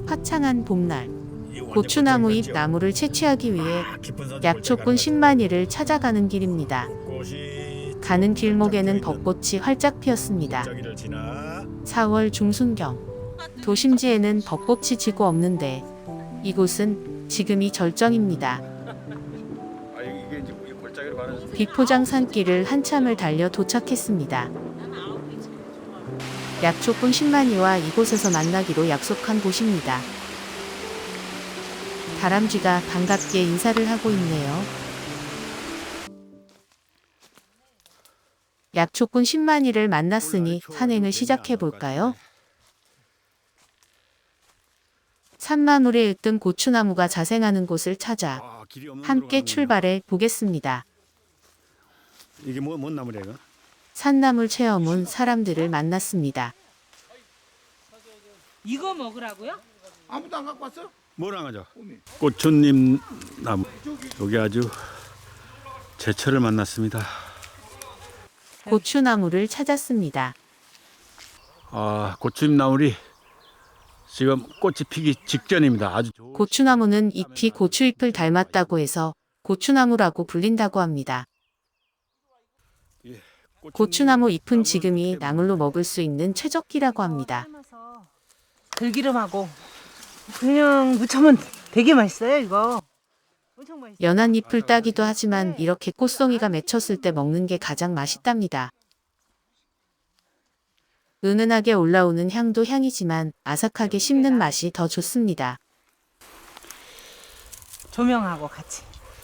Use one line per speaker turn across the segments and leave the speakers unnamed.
화창한 봄날, 고추나무 잎 나무를 채취하기 위해 약초꾼 신만이를 찾아가는 길입니다. 가는 길목에는 벚꽃이 활짝 피었습니다. 4월 중순경, 도심지에는 벚꽃이 지고 없는데 이곳은 지금이 절정입니다. 비포장 산길을 한참을 달려 도착했습니다. 약초꾼 신만이와 이곳에서 만나기로 약속한 곳입니다. 다람쥐가 반갑게 인사를 하고 있네요. 약초꾼 신만이를 만났으니 산행을 시작해 볼까요? 산마물에 으뜸 고추나무가 자생하는 곳을 찾아 함께 출발해 보겠습니다.
이게 뭔 나무래 이거?
산나물 체험 온 사람들을 만났습니다.
이거 먹으라고요?
아무도 안 갖고 왔어?
뭐랑 하죠? 고추님 나무. 여기 아주 제철을 만났습니다.
고추나무를 찾았습니다.
아, 고추잎 나물이 지금 꽃이 피기 직전입니다. 아주 좋은
고추나무는 잎이 고추잎을 닮았다고 해서 고추나무라고 불린다고 합니다. 고추나무 잎은 지금이 나물로 먹을 수 있는 최적기라고 합니다.
들기름하고 그냥 무쳐면 되게 맛있어요 이거. 엄청 맛있어요.
연한 잎을 따기도 하지만 이렇게 꽃송이가 맺혔을 때 먹는 게 가장 맛있답니다. 은은하게 올라오는 향도 향이지만 아삭하게 씹는 맛이 더 좋습니다.
조명하고 같이.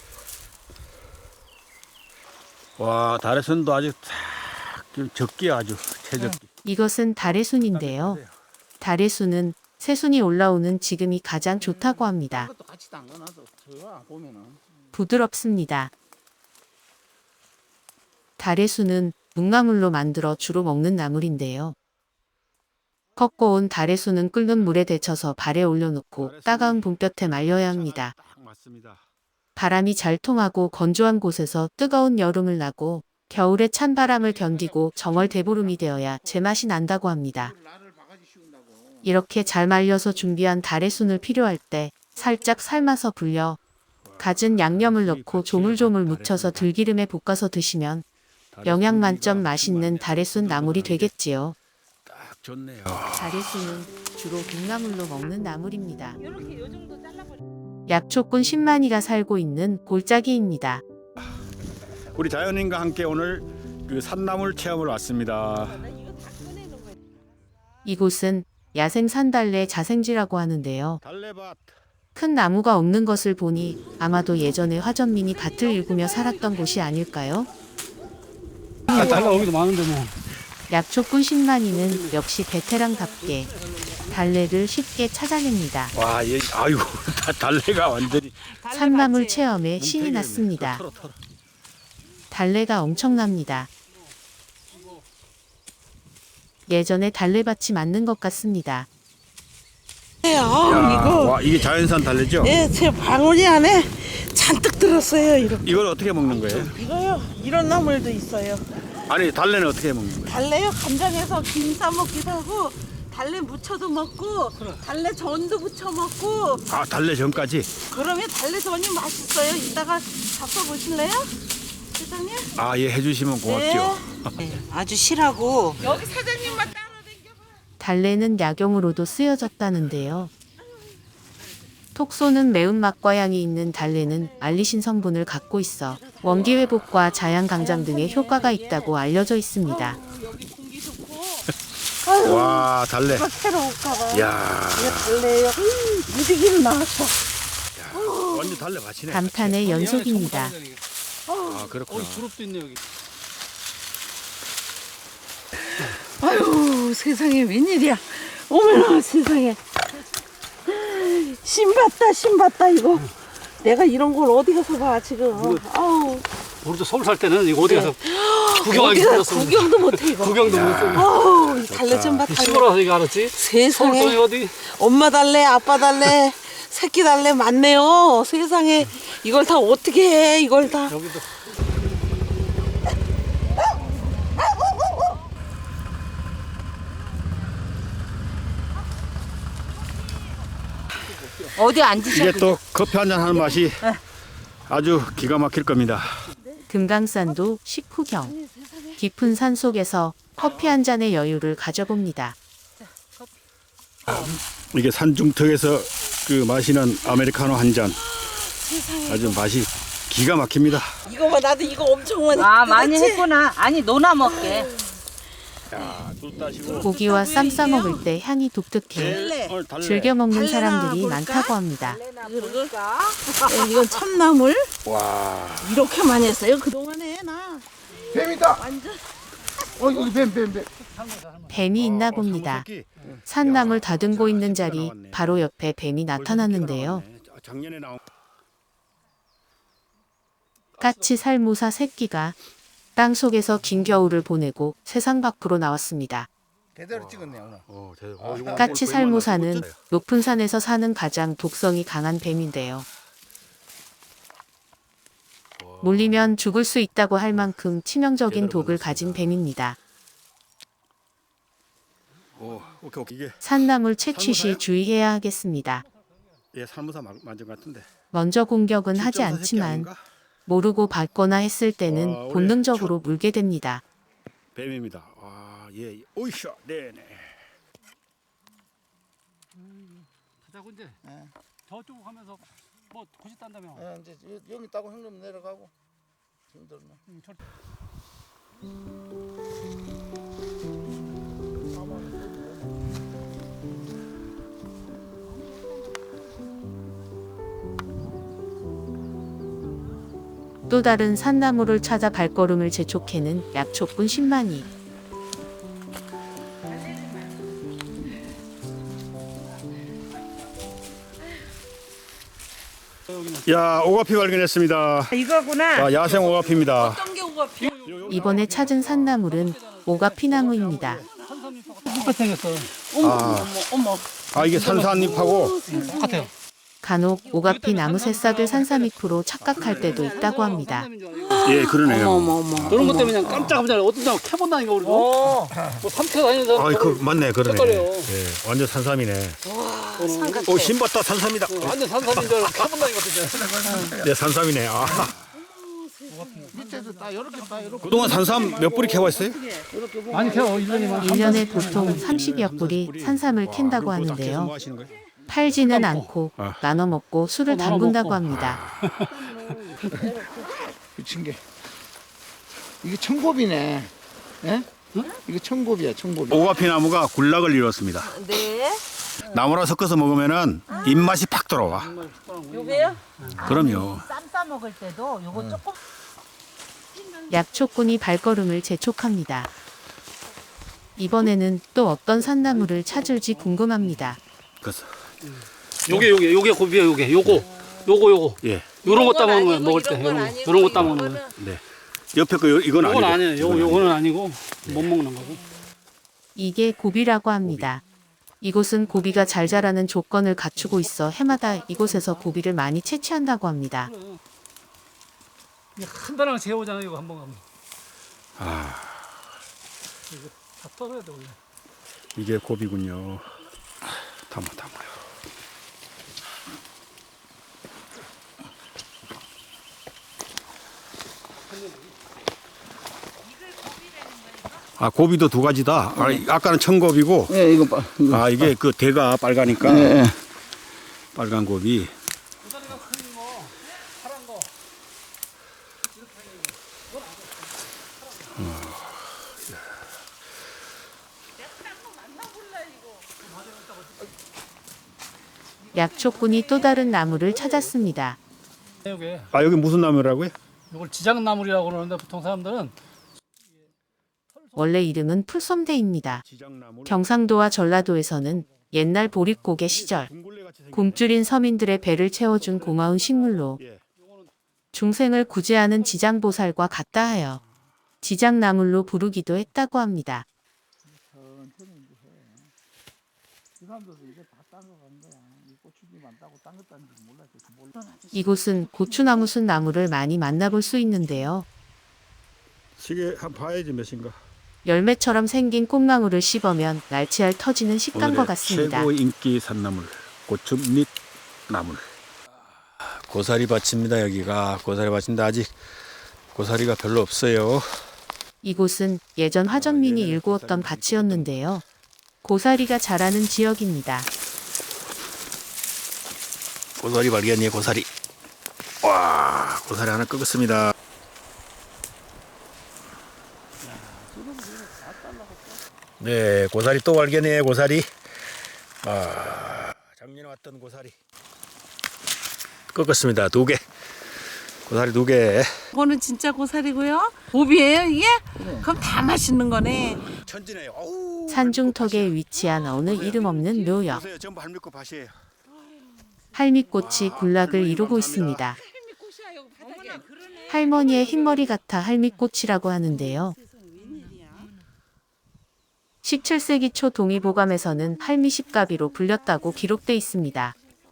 와, 달의순도 아주 적기 아주 최적기.
이것은 달의 순인데요. 달의 순은 새순이 올라오는 지금이 가장 좋다고 합니다.
이것도 같이 담가놔서 저 보면은
부드럽습니다. 달의 순은 묵나물로 만들어 주로 먹는 나물인데요. 꺾어 온 달의 순은 끓는 물에 데쳐서 발에 올려놓고 따가운 봄볕에 말려야 합니다.
딱 맞습니다.
바람이 잘 통하고 건조한 곳에서 뜨거운 여름을 나고 겨울에 찬 바람을 견디고 정월 대보름이 되어야 제맛이 난다고 합니다.
나를 바가지 씌운다고.
이렇게 잘 말려서 준비한 달의 순을 필요할 때 살짝 삶아서 불려 갖은 양념을 넣고 조물조물 묻혀서 들기름에 볶아서 드시면 영양 만점 맛있는 달의 순 나물이 되겠지요.
딱 좋네요.
달의 순은 주로 묵나물로 먹는 나물입니다.
이렇게 요 정도 잘라버려.
약초꾼 신만이가 살고 있는 골짜기입니다.
우리 자연인과 함께 오늘 그 산나물 체험을 왔습니다.
이곳은 야생 산달래 자생지라고 하는데요.
달래밭.
큰 나무가 없는 것을 보니 아마도 예전에 화전민이 밭을 일구며 살았던 곳이 아닐까요?
달라 오기도 많은데 뭐.
약초꾼 신만이는 역시 베테랑답게 달래를 쉽게 찾아냅니다.
와, 얘 아이고 달래가 완전히
산나물 체험에 신이 났습니다.
털어.
달래가 엄청납니다. 예전에 달래밭이 맞는 것 같습니다.
야, 와, 이게 자연산 달래죠?
예, 제 방울이 안에 잔뜩 들었어요. 이렇게.
이걸 어떻게 먹는 거예요?
이거요. 이런 나물도 있어요.
아니, 달래는 어떻게 먹는 거예요?
달래요. 간장에서 김 싸 먹기도 하고, 달래 무쳐도 먹고, 달래 전도 부쳐 먹고.
아, 달래 전까지?
그러면 달래 전이 맛있어요. 이따가 잡숴 보실래요, 세상님?
아, 예, 해주시면 고맙죠.
네, 아주 실하고.
여기 사장님만 따로 댕겨봐.
달래는 약용으로도 쓰여졌다는데요. 톡 쏘는 매운맛과 향이 있는 달래는 알리신 성분을 갖고 있어 원기 회복과 자양 강장 등의 효과가 있다고 알려져 있습니다.
여기 공기 좋고.
와, 달래.
새로울까봐.
야,
이거 달래요. 무지개를 나왔어.
완전 달래 밭이네.
감탄의 연속입니다.
아, 그렇구나.
두릅도 있네 여기.
아유, 세상에 웬일이야. 어머나 세상에. 신봤다 이거. 내가 이런 걸 어디 가서 봐 지금. 아우.
우리도 서울 살 때는 이거 어디 가서 구경하기
어디가
힘들었어.
구경도 못해 이거.
구경도 못해.
아우, 이 달래 좀 봐.
시골 와서 이거 알았지?
세상에.
서울동이 어디?
엄마 달래, 아빠 달래, 새끼 달래 많네요. 세상에. 이걸 다 어떻게 해? 이걸 다.
여기도.
어디 앉으셔.
이게 또 커피 한잔 하는 맛이 아주 기가 막힐 겁니다.
금강산도 식후경. 깊은 산 속에서 커피 한 잔의 여유를 가져봅니다.
이게 산중턱에서 그 마시는 아메리카노 한 잔. 아주 맛이 기가 막힙니다.
이거 봐, 나도 이거 엄청 많이.
아, 많이 했구나. 아니, 노나 먹게.
고기와 쌈 싸 먹을 때 향이 독특해 즐겨 먹는 사람들이 많다고 합니다.
이건 참나물.
와.
이렇게 많이 했어요. 그동안에 나.
뱀이다.
완전.
여기 뱀.
뱀이 있나 봅니다. 산나물 다듬고 있는 자리 바로 옆에 뱀이 나타났는데요.
작년에 나온
까치 살모사 새끼가 땅 속에서 긴 겨울을 보내고 세상 밖으로 나왔습니다.
제대로 찍었네 오늘.
까치 살모사는 높은 산에서 사는 가장 독성이 강한 뱀인데요. 물리면 죽을 수 있다고 할 만큼 치명적인 독을 가진 뱀입니다.
오케이. 이게
산나물 채취 시 주의해야 하겠습니다.
살모사 만전 같은데.
먼저 공격은 하지
실전사 새끼
않지만
아닌가?
모르고 밟거나 했을 때는
와,
본능적으로 물게 됩니다.
뱀입니다. 아, 예. 오이샤. 네네.
가자고 이제. 저쪽 가면서 뭐 고시 딴다며.
이제 여기 따고 형님 내려가고. 힘들나.
또 다른 산나물을 찾아 발걸음을 재촉해는 약초꾼 10만이.
야, 오가피 발견했습니다.
이거구나.
아, 야생 오가피입니다.
어떤 게 오가 피?
이번에 찾은 산나물은 오가피나무입니다.
똑같이 생겼어.
어머.
아, 이게 산산잎하고
똑같아요.
간혹 오가피 나무 새싹을 산삼잎으로 착각할 때도 있다고 합니다.
예, 그러네요.
어머.
그런 것 때문에 그냥 깜짝깜짝 어떤 사람 캐본다니까 우리도. 뭐 삼켜 다니는 사람.
아, 그 맞네, 그러네.
색깔이요.
예, 완전 산삼이네. 오, 신봤다 산삼이다.
완전 산삼인 줄 알고 캐본다니까 진짜.
네, 산삼이네. 아.
밑에도 다 이렇게 다 이렇게.
그동안 산삼 몇 뿌리 캐왔어요?
많이 캐요. 1년이면.
1년에 보통 30여 뿌리 산삼을 캔다고 하는데요.
뭐 하시는 거예요?
팔지는 않고
아.
나눠 먹고 술을
나눠
담근다고
먹고.
합니다.
미친 게. 이게 청곱이네. 예? 이거 청곱이야, 청곱이.
오가피 나무가 군락을 이뤘습니다.
네.
나무랑 섞어서 먹으면은 입맛이 팍 돌아와.
요게요?
그럼요.
쌈 싸 먹을 때도 요거 조금.
약초꾼이 발걸음을 재촉합니다. 이번에는 또 어떤 산나물을 찾을지 궁금합니다.
그래서
요게 고비야 요게. 요거.
예,
요런 거 따먹는 거야 먹을 때. 요런 거 따먹는 거야.
네. 옆에 거 이건 아니고.
요건 아니에요.
이건
요거는 아니고 못 먹는 거고.
이게 고비라고 합니다. 이곳은 고비가 잘 자라는 조건을 갖추고 있어 해마다 이곳에서 고비를 많이 채취한다고 합니다.
한 달랑 재우잖아 이거 한 번 가면.
아,
이거 다 떠야 돼 원래.
이게 고비군요. 담아요. 아, 고비도 두 가지다. 아, 아까는 청고비고,
예, 이거 봐. 이거.
아, 이게 그 대가 빨가니까
예.
빨간 고비.
약초꾼이 또 다른 나무를 찾았습니다.
요게
아, 여기 무슨 나무라고요?
요걸 지장나물이라고 그러는데 보통 사람들은
원래 이름은 풀솜대입니다.
지장나무.
경상도와 전라도에서는 옛날 보릿고개 시절 굶주린 서민들의 배를 채워준 고마운 식물로
예.
중생을 구제하는 지장보살과 같다 하여 지장나물로 부르기도 했다고 합니다. 이곳은 고추나무 순 나무를 많이 만나볼 수 있는데요.
시계 한번 봐야지 몇인가.
열매처럼 생긴 꽃나무를 씹으면 날치알 터지는 식감과
오늘의
같습니다.
최고 인기 산나물 고추밑 나물. 고사리 밭입니다. 여기가 고사리 밭인데 아직 고사리가 별로 없어요.
이곳은 예전 화전민이 일구었던 밭이었는데요. 고사리가 자라는 지역입니다.
고사리 발견이에요. 고사리. 와, 고사리 하나 끄겠습니다. 네, 고사리 또 발견이에요. 고사리. 아, 작년에 왔던 고사리. 꺾었습니다. 2개. 고사리 2개.
이거는 진짜 고사리고요. 오비예요 이게? 그럼 다 맛있는 거네.
천지네요. 어우,
산중턱에 위치한 어느 이름 없는 묘역.
보세요. 전부 할미꽃 밭이에요.
할미꽃이 군락을 이루고 있습니다. 할머니의 흰머리 같아 할미꽃이라고 하는데요. 17세기 초 동의보감에서는 할미십가비로 불렸다고 기록돼 있습니다.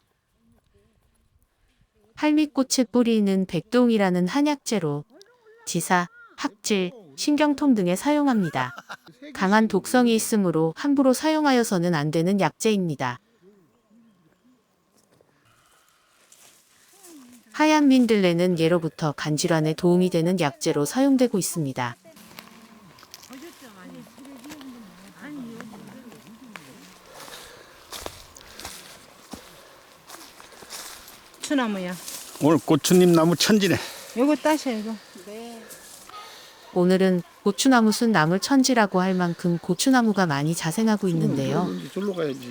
할미꽃의 뿌리는 백동이라는 한약재로 지사, 학질, 신경통 등에 사용합니다. 강한 독성이 있으므로 함부로 사용하여서는 안 되는 약재입니다. 하얀 민들레는 예로부터 간질환에 도움이 되는 약재로 사용되고 있습니다.
고추나무야.
오늘 고추님 나무 천지네.
요거 따셔 이거.
오늘은 고추나무 순 나물 천지라고 할 만큼 고추나무가 많이 자생하고 있는데요.
절로 가야지.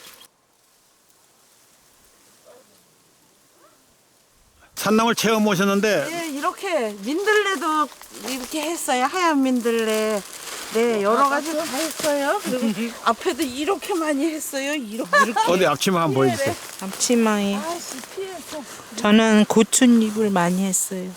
산나물 체험 오셨는데
네, 이렇게 민들레도 이렇게 했어요. 하얀 민들레. 네, 여러 가지 다 했어요. 그리고 앞에도 이렇게 많이 했어요. 이렇게.
어디 앞치마 한번 보여주세요.
앞치마에.
아씨, 피했어.
저는 고추잎을 많이 했어요.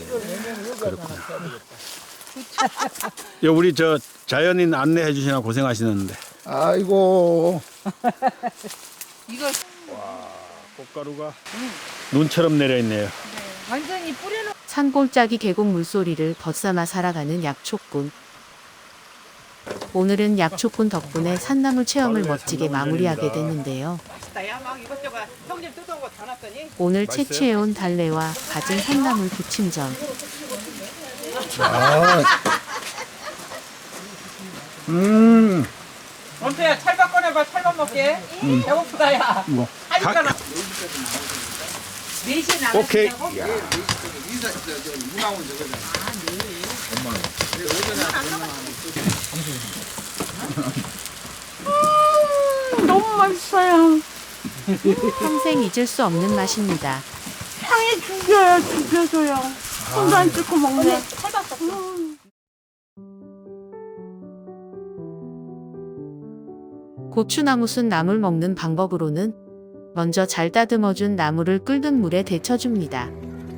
여 우리 저 자연인 안내해 주시나 고생하시는데.
아이고.
이걸
꽃가루가 눈처럼 내려 있네요.
완전히 뿌려놓.
산골짜기 계곡 물소리를 벗삼아 살아가는 약초꾼. 오늘은 약초꾼 덕분에 산나물 체험을 멋지게 마무리하게 됐는데요. 오늘 채취해온 달래와 갖은 산나물 부침전.
원태야 찰밥 꺼내봐. 찰밥 먹게. 배고프다 야.
뭐.
하니까
오케이.
너무 맛있어요.
평생 잊을 수 없는 맛입니다.
향이 죽여요, 죽여줘요. 손도 안 뜯고 먹네.
고추나무 순 나물 먹는 방법으로는 먼저 잘 다듬어준 나물을 끓는 물에 데쳐줍니다.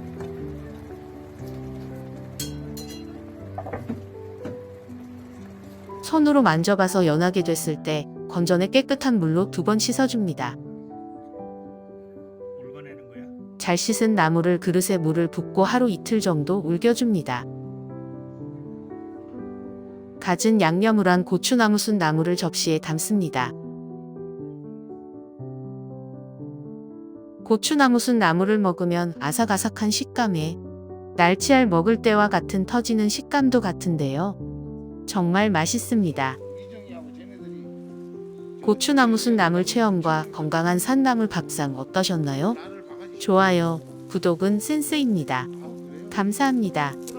손으로 만져봐서 연하게 됐을 때 건져내 깨끗한 물로 2번 씻어줍니다. 잘 씻은 나물을 그릇에 물을 붓고 하루 이틀 정도 울겨줍니다. 갖은 양념을 한 고추나무 순 나물을 접시에 담습니다. 고추나무 순 나물을 먹으면 아삭아삭한 식감에 날치알 먹을 때와 같은 터지는 식감도 같은데요. 정말 맛있습니다. 고추나무 순 나물 체험과 건강한 산나물 밥상 어떠셨나요? 좋아요, 구독은 센스입니다. 감사합니다.